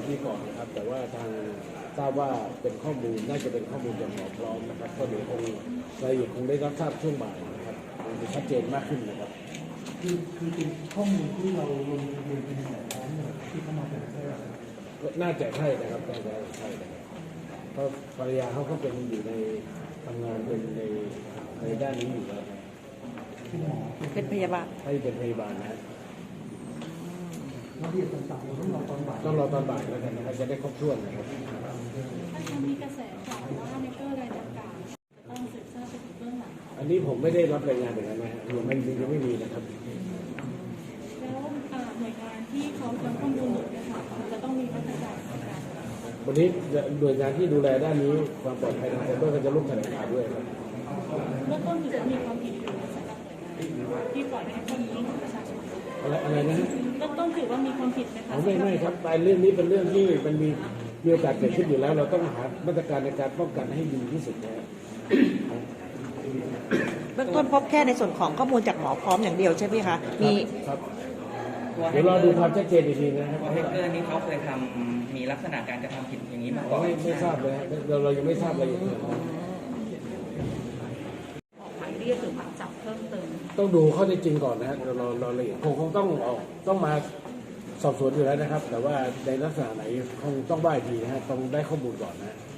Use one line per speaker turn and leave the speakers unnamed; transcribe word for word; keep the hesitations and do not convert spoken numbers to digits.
นี้ก่อนนะครับแต่ว่าทางทราบว่าเป็นข้อมูลน่าจะเป็นข้อมูลจากหมอพร้อมนะครับก็เดี๋ยวคงรายละเอียดคงได้รับทราบช่วงบ่ายนะครับคงจะชัดเจนมากขึ้นนะครับ
คือคือเป็นข้อมูลที่เราลงทะเบียนเป็นหมอพร้อมเนี่ยที่เข้ามาเป็นใช่ไหม
น่าจะใช่นะครับน่าจะใช่นะครับเพราะภรรยาเขาก็เป็นอยู่ในทำงานเป็นในในด้านนี้อยู่แล้ว
เป็นหมอ
เป็นพยาบาล
ให้เป็นพยาบาลนะ
รายละเอียดต่างๆเราต้องรอตอนบ่าย
ต้องรอตอนบ่ายแล้วกันนะครับจะได้ครบถ้วนนะครับ
ถ้าจะมีกระแสข่าวว่าในเกอร์รายดังกล่าวต้องสืบทราบไปถึงเบื้องหลัง
อันนี้ผมไม่ได้รับรายงานอย่างนั้นนะฮะยังไม่ยังไม่มีนะครับ
แล้วหน่วยงานที่เขาจะข้อมูลหนุนเนี่ยค่ะจะต้องมีมาตรการในการ
วันนี้หน่วยงานที่ดูแลด้านนี้ความปลอดภัยทางไซเบอร์ก็จะร่วมแถลงข่าวด้วยครับ
เมื่อต้นถือว่ามีความผิดอยู่สำหรับหน่วยงานที่ปล่อยให้ข้อมูลของประชาชน
อะไรอะไรนะ
เมื่อต้นถือว่ามีความผิดไหมคะ
ไม่ไม่ครับแต่เรื่องนี้เป็นเรื่องที่มันมีมีโอกาสเกิดขึ้นอยู่แล้วเราต้องหามาตรการในการป้องกันให้ดีที่สุดนะ
เบื้องต้นพบแค่ในส่วนของข้อมูลจากหมอพร้อมอย่างเดียวใช่ไหมคะมี
ครับเดี๋ยวรอดูความชัดเจนอีกทีนะครับ
แฮกเกอร์นี้เขาเคยทำมีลักษณะการกระทำผิดอย่างนี้มาก่อน
ไม่ไม่ทราบเลยเราเรายังไม่ทราบเลย
ออกหมายเรียกหรือหมายจับเพิ่มเติม
ต้องดูข้อเท็จจริงก่อนนะฮะเราเราเราละเอียดคงคงต้องออกต้องมาสอบสวนอยู่แล้วนะครับแต่ว่าในลักษณะไหนคงต้องว่าอีกทีนะฮะต้องได้ข้อมูลก่อนนะ